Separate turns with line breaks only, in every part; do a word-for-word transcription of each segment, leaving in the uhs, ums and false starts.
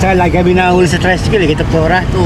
Tsaka lagi kami nahuli sa tricycle, kita pora to.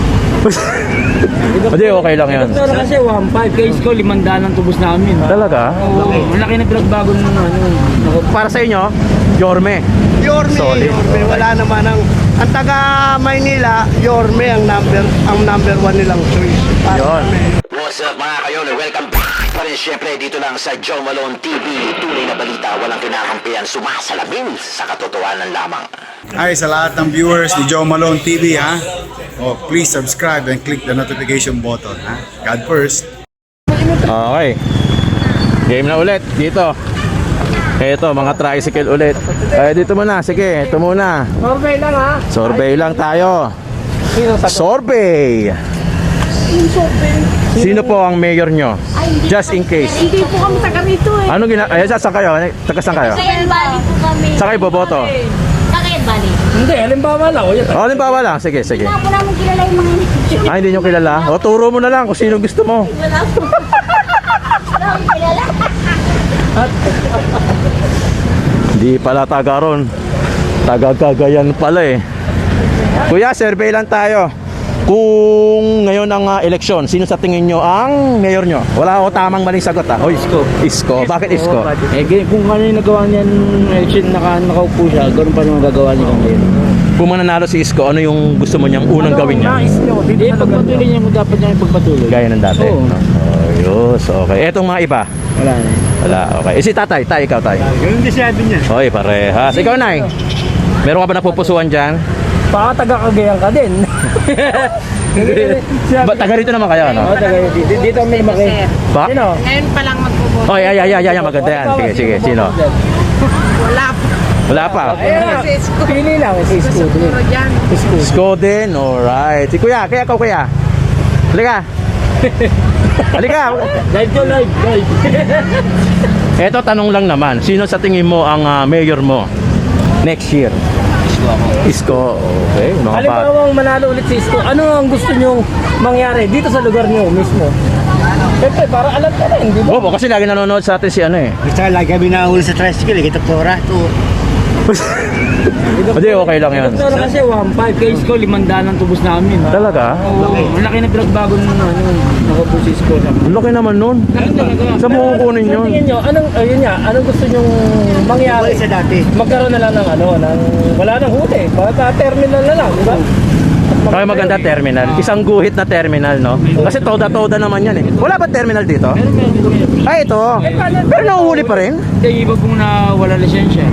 Hindi, okay lang yan.
Pero kasi one five, kay Isko, limandaan ang tubos namin.
Talaga?
Oo, malaki na pinagbago nung ano.
Para sa inyo, Yorme.
Yorme,
Solid.
Yorme, wala naman ang ang taga Maynila, Yorme ang number ang number one nilang choice. Para
Yun.
kami.
What's up mga kayon? Welcome back pa rin syempre dito lang sa Joe Malone T V. Tunay na balita, walang kinakampihan, sumasalamin sa katotohanan lamang.
Hi sa lahat ng viewers ni Joe Malone T V ha. Oh, please subscribe and click the notification button ha. God first.
Okay. Game na ulit dito. Eto, mga tricycle ulit. Eh, dito muna. Sige, ito muna.
Survey lang ha.
Survey lang tayo. Survey. Sino po ang mayor nyo? Just in case.
Hindi po kami taga rito eh.
Ano gina... Ayan, saan kayo? Taga saan kayo?
Cagayan Valley po kami.
Saan kayo boboto?
Cagayan Valley.
Hindi, halimbawa lang. O, yan.
O, halimbawa lang. Sige, sige.
Wala po namin kilala yung mga hindi.
Ah, hindi nyo kilala? O, turo mo na lang kung sino gusto mo.
Wala po. Wala akong kilala.
Hindi pala taga ron. Taga Cagayan pala eh. Kuya, survey lang tayo. Kung ngayon ang uh, eleksyon, sino sa tingin nyo ang mayor nyo? Wala ako tamang maling sagot ha.
O, Isko.
Isko. Bakit Isko?
Eh, ganyan, kung ano yung nagawa niyan, election, naka, nakaupo siya, ganoon pa naman gagawa niya ngayon.
Kung mananalo si Isko, ano yung gusto mo niyang unang gawin niya?
Nais niyo, hindi pagpatuloy niya, kung dapat niya ipagpatuloy.
Gaya ng dati.
Oo.
Oh, yus, okay. Etong mga iba?
Wala na.
Wala, okay. Eh si tatay, tay, ikaw tay.
Ganun din sabi niya.
Hoy, parehas. Ikaw, nay. Meron ka ba napupusuan dyan?
Baka taga Cagayan ka din.
Ba, taga rito naman kayo, no?
Oo, taga dito. Dito may maki.
Ba?
Sino?
Ngayon pa lang magpupunta.
Oh, ay, ay, ay, ay, ay, maganda yan. Sige, sige. Sino?
Wala po.
Wala pa.
Ayan, pili lang. Si Isko.
Siguro dyan.
Isko.
Isko din, alright. Si kuya, kaya ikaw kuya. Halika. Halika.
Live to live. Live.
Eto, tanong lang naman. Sino sa tingin mo ang uh, mayor mo next year?
Isko ako.
Isko, okay. Mga pa.
Halimbawa manalo ulit si Isko, ano ang gusto nyong mangyari dito sa lugar niyo mismo? Siyempre, para alam ka rin, di ba?
Oo, kasi lagi nanonood sa atin si ano eh.
Tsaka lagi kami nahuli sa tricycle, kita pora to.
Hindi, okay lang yan.
Pero kasi one five, kay Isko, limandaan ang tubos namin.
Talaga?
Oo, malaki na pinagbago nung ano, nakaupo si Isko.
Ang laki naman nun. Saan mo kukunin yun?
Sa tingin nyo, anong, ayun nga, anong gusto nyong mangyari?
Wala sa dati.
Magkaroon na lang ng ano, ng, wala nang huli. Baka terminal na lang, di ba?
Kaya maganda terminal. Isang guhit na terminal, no? Kasi toda-toda naman yan eh. Wala ba terminal dito? Ay, ito. Pero nahuhuli pa rin?
Hindi, iba pong na wala lisensya.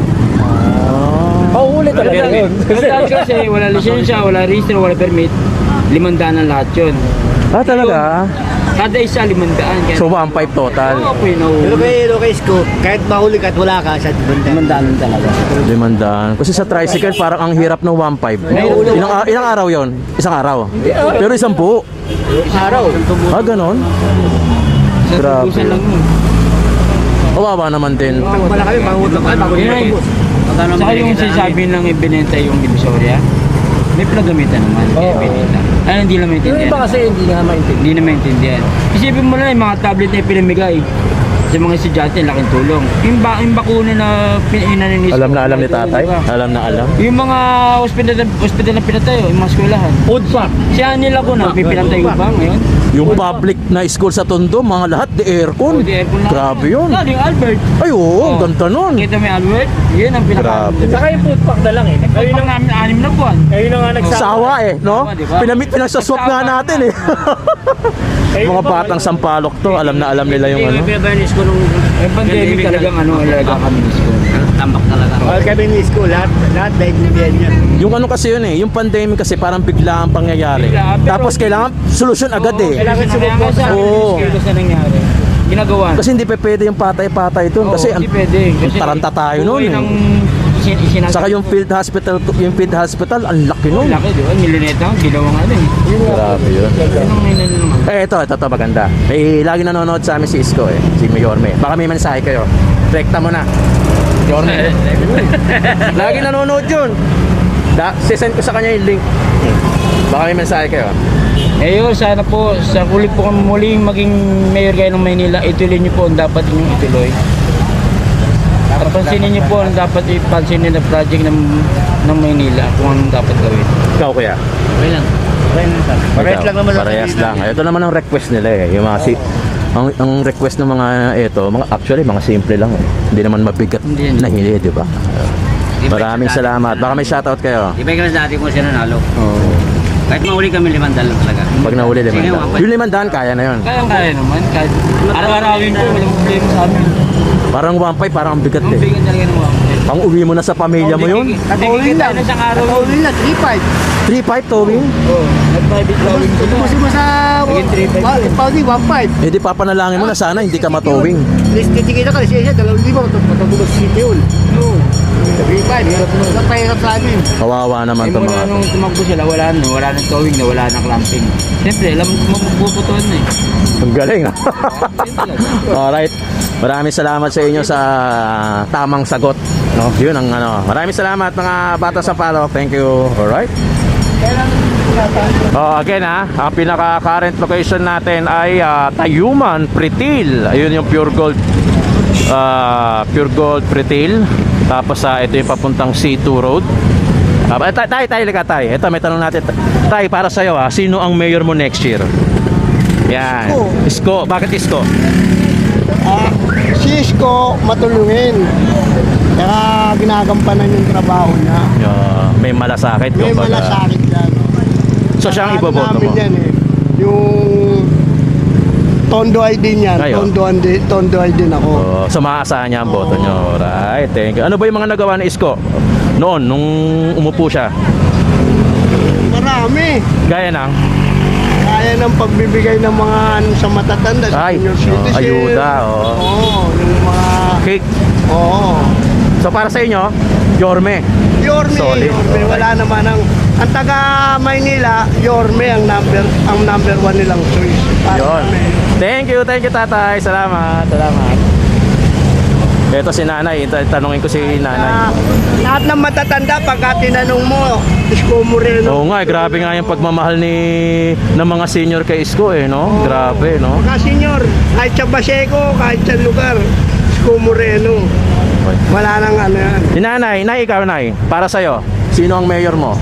Pauhuli talaga yun. Kasi, kasi wala lisensya, wala register, wala permit. Limandaan ang lahat yun.
Ah, talaga?
Kada isa limandaan. Kaya
So, one five total.
Oo po yun,
Pero
nauhuli.
kay Lucas ko, kahit mahuli ka at wala ka, sa banda.
Limandaan talaga.
Limandaan. Kasi sa tricycle, parang ang hirap ng one five. Ilang, ilang araw yon? Isang araw? Pero isang po.
Araw.
Ah, ganon?
Sa
Grabe.
tubusan lang yun.
Kawawa naman din.
Wala kami, mangutang ka, bago
Yun ay, saka yung sinasabi lang ibinenta yung Divisoria, may pinagamitan naman. Kaya binenta. Ano hindi lang maintindihan? Yung iba kasi hindi nga maintindihan. Hindi na maintindihan. Isipin mo na yung mga tablet na pinamigay sa mga estudyante, laking tulong. Yung, ba, yung bakuna na pinaninis.
Alam na alam ni tatay? Alam na alam?
Yung mga hospital, hospital na pinatayo, yung mga eskwelahan. Food pack. Siya nila ko na, may pinatayo ba ngayon?
Yung public na school sa Tondo, mga lahat, di aircon.
Oh, di aircon lang.
Grabe yun.
Ah, yung Albert.
Ay, oo,
Oh.
ganda nun.
Kita mo yung Albert? Yun ang pinaka.
Grabe.
Saka yung food pack na lang eh. Ayun lang namin anim na buwan. Ayun na nga
Sawa eh, no?
Sawa, diba?
Pinamit, pinagsaswap nga natin eh. Mga batang sampalok to, alam na alam nila yung ano.
ko nung yung pandemic talagang ano, talaga kami ni school. Tambak talaga.
All kami ni school, lahat, lahat naiintindihan niya.
Yung ano kasi yun eh, yung pandemic kasi parang bigla ang pangyayari.
Bigla, pero-
Tapos kailangan solusyon agad eh.
Kailangan sumubok sa amin
Oo.
ni school kasi nangyari. Ginagawa.
Kasi hindi pa pwede yung patay-patay dun.
Oo,
Kasi
hindi
ang
pwede. Kasi
taranta tayo nun
buhay
eh.
ng isin, isinasa-
Saka yung field hospital, yung field hospital, ang laki nun.
Laki, di ba? Milineta, ginawang ano eh.
Grabe yun.
Yun ang inano naman.
Eh, ito, ito, ito, maganda. Eh, lagi nanonood sa amin si Isko eh, si Mayorme. Baka may mensahe kayo. Rekta mo na. Yorme. Lagi nanonood yun. Da, sisend ko sa kanya yung link. Baka may mensahe kayo.
Eh yun, sana po, sa huli po kami muling maging mayor kayo ng Maynila, ituloy niyo po ang dapat inyong ituloy. At pansinin niyo po ang dapat ipansinin na project ng ng Maynila kung anong dapat gawin.
Ikaw kuya?
Okay lang. Okay lang sir.
Parehas lang naman sa
Parehas
kanila
lang. Ito naman ang request nila eh. Yung mga si ang, ang request ng mga ito, mga actually mga simple lang eh. Hindi naman mabigat
Hindi yan.
na hili, di ba? Maraming salamat. Baka may shoutout kayo.
Iba yung dati kung sila nalo.
Oh.
Kahit mahuli kami limandaan lang talaga.
Pag nahuli
Sige,
limandaan.
wapay.
Yung limandaan kaya na yun.
Kaya kaya naman. Kahit araw-arawin po, walang problema sa amin.
Parang one five, parang ang bigat
Ang
eh.
bigan talaga ng mga
Pang uwi mo na sa pamilya mo yun.
Nag-all-in lang.
na isang araw.
Nag-all-in lang, three five.
three five towing.
Oo. Nag-private towing ko.
Tubusin mo sa
Naging three five.
Pauli, one five.
Eh di papanalangin mo na sana hindi ka matowing.
List kita ka, siya siya, dalawang libo, matagubag si Yun.
Oo.
three five, hirap mo. Napahirap sa amin.
Kawawa naman
Eh,
itong
mula
mga
nung tumakbo sila, wala na. Wala nang towing na, wala nang clamping. Siyempre, alam mo magpuputuan na eh.
Ang galing ah.
Yun talaga.
Alright. Maraming salamat sa inyo sa tamang sagot. No? Yun ang ano. Maraming salamat mga bata sa palo. Thank you. Alright. Oh, again ha, ang pinaka current location natin ay ah, Tayuman, Pritil. Ayun yung Pure Gold ah, Pure Gold Pritil. Tapos sa ito yung papuntang C two Road. Ah, tay, tay, tay, liga, tay. Ito may tanong natin. Tay, para sa iyo ha, sino ang mayor mo next year? Yan. Isko. Bakit Isko?
Ah, si Isko matulungin. Kaya ginagampanan yung trabaho niya.
Yeah, may malasakit.
May
kumbaga.
malasakit yan.
So siya ang
Ano
iboboto
namin
mo?
yan eh. Yung Tondo I D niyan.
Kayo?
Tondo I D, Tondo I D ako.
Oh, so maaasahan niya ang boto niyo. Right, thank you. Ano ba yung mga nagawa ni Isko noon nung umupo siya?
Marami.
Gaya ng
Kaya ng pagbibigay ng mga ano, sa matatanda, sa
Ay,
senior
oh,
citizen.
ayuda, oh.
Oo, yung mga...
cake.
Oo.
So para sa inyo, Yorme.
Yorme,
Solid.
Yorme. Wala naman ang... Ang taga Maynila, Yorme ang number ang number one nilang choice. Para
Yon.
kami.
Thank you, thank you tatay. Salamat, salamat. Ito si nanay, Ita- tanungin ko si
Ah,
nanay.
lahat ng matatanda, pagka tinanong mo, Isko Moreno.
Oo nga, eh, grabe nga yung pagmamahal ni ng mga senior kay Isko eh, no? Grabe, no?
Mga senior, kahit sa Baseco, kahit sa lugar, Isko Moreno. Wala nang ano yan.
Si nanay, nay, ikaw nay, para sa'yo, sino ang mayor mo?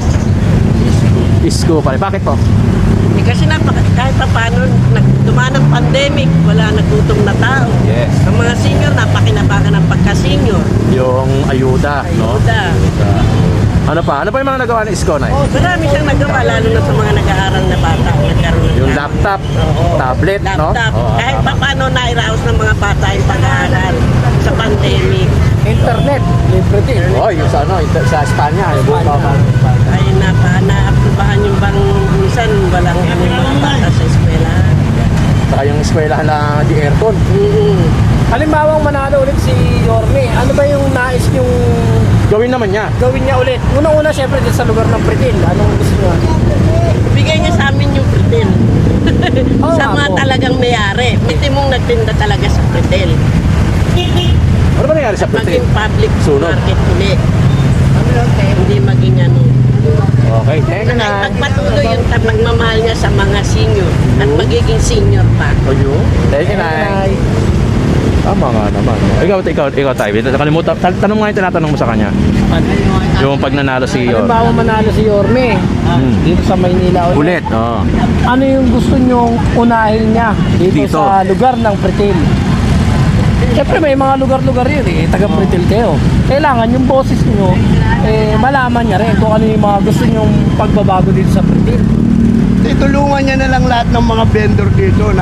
Isko pala. Bakit po?
Eh, kasi napaka, kahit pa paano, nagdumaan ng pandemic, wala nagutom na tao.
Yes.
Ang mga senior, napakinabangan ng pagka-senior.
Yung ayuda, no?
Ayuda.
Ano pa? Ano pa yung mga nagawa ni Isko, nay?
Marami siyang nagawa, lalo na sa mga nag-aaral na bata. Nagkaroon ng
Yung laptop, tablet, no?
laptop.
Oo,
Kahit
tama.
pa paano nairaos ng mga bata yung pag-aaral sa pandemic.
Internet, libre din.
Oh, yung sa ano, ito- sa Espanya, yung buong
Ay napa, naaprubahan yung bang minsan walang ano yung mga bata sa eskwela.
saka yung eskwelahan na di aircon.
Mm-hmm.
Halimbawa manalo ulit si Yorme, ano ba yung nais yung
Gawin naman niya.
gawin niya ulit? Unang-una siyempre din sa lugar ng Pritil, anong gusto niya?
Bigay niya sa amin yung pretel.
Oo
sa
nga
mga
po.
talagang mayari. Hindi mong nagtinda talaga sa pretel.
Ano ba nangyari sa Pritil?
Maging public
Sunod.
market ulit. Hindi maging ano.
Okay, thank you na.
Pagpatuloy yung ta- pagmamahal niya sa mga senior at magiging senior pa.
Ayun. Thank you na. Tama nga naman. no? Ikaw, ikaw, ikaw tayo. Nakalimutan. Tan- Tanong nga yung tinatanong mo sa kanya. Yung pag nanalo si Yor.
Halimbawa manalo si Yorme,
Hmm.
dito sa Maynila ulit.
Ulit. Oo.
Ano yung gusto nyong unahin niya dito,
Dito.
sa lugar ng Pritil? Siyempre may mga lugar-lugar yun eh, taga Pritil kayo. Kailangan yung boses nyo, eh, malaman niya rin kung ano yung mga gusto nyong pagbabago dito sa Pritil.
Itulungan niya na lang lahat ng mga vendor dito na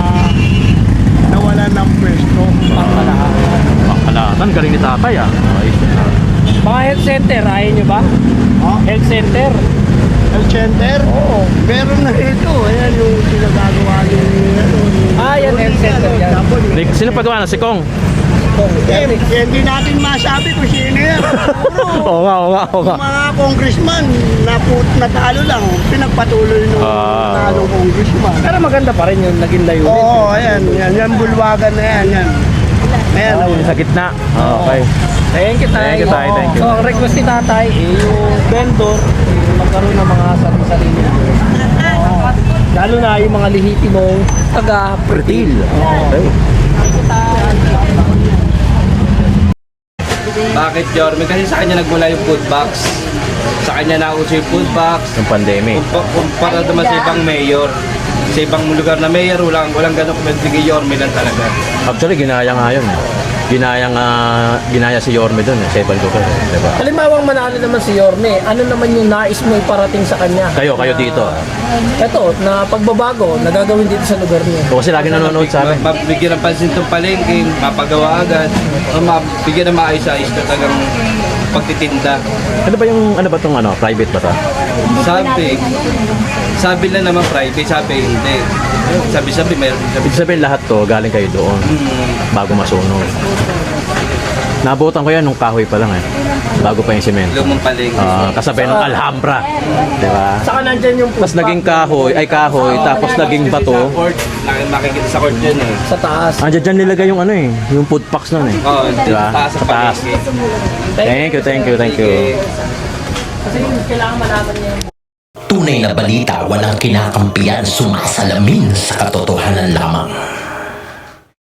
nawala ng pwesto.
Pangkalatan. Galing ni tatay ah. Ayos na.
Mga health center, ayaw nyo ba?
Oh,
Health center?
health center?
Oo.
Meron na ito. Ayan yung pinagagawa ni... Ano, ni-
Ah, yan, health center yan.
Tapos,
Rick, sino pagawa na? Si Kong?
eh, hindi natin masabi kung sino yan. Siguro,
Oo nga, oo nga, oo nga.
mga congressman na natalo lang, pinagpatuloy nung
Ah.
natalong congressman.
Pero maganda pa rin yung naging layunin.
Oo, ayan, yan, yan, bulwagan na yan, yan. Ayan,
Ah, yung sa gitna. Okay.
Thank you, Tay.
Thank you, Tay. Thank you.
So, ang request ni Tatay, eh, yung vendor, eh, magkaroon ng mga sarili-sarili. Oo. Lalo na yung mga lehitimong taga-Pritil.
Okay.
Bakit Yorme? Kasi sa kanya nagmula yung food box. Sa kanya nauso yung food box.
Yung pandemic.
Kumpa- Kumpara naman sa ibang mayor. Sa ibang lugar na mayor, walang, walang ganun kumagbigay Yorme lang talaga.
Actually, ginaya nga yun. Eh. Ginaya nga, ginaya si Yorme doon eh, sa ibang lugar. Eh, diba?
Halimbawang manalo naman si Yorme, ano naman yung nais mo iparating sa kanya?
Kayo, kayo dito.
Ito, na pagbabago, nagagawin dito sa lugar niyo.
O kasi lagi nanonood sa amin.
Mabigyan ng pansin itong palengke, mapagawa agad. O mabigyan ng maayos-ayos na talagang pagtitinda.
Ano ba yung, ano ba tong ano, private ba to?
Sabi, sabi lang naman private, sabi hindi. Sabi-sabi, mayroon sabi.
Ibig sabihin lahat to, galing kayo doon. Bago masunog. Nabutan ko yan nung kahoy pa lang eh. Bago pa yung semento.
Lumang palengke.
Ah, kasabay ng Alhambra. Di ba?
Saka nandyan yung
Tapos naging kahoy, ay kahoy, tapos naging bato.
Sa court, nak- makikita sa court yun eh.
sa taas.
Andiyan dyan nilagay yung ano eh, yung food packs nun eh.
Oo,
Di ba?
taas sa
Sa taas.
palengke.
Thank you, thank you, thank you.
Kasi kailangan malaman niya.
Tunay na balita, walang kinakampiyan, sumasalamin sa katotohanan.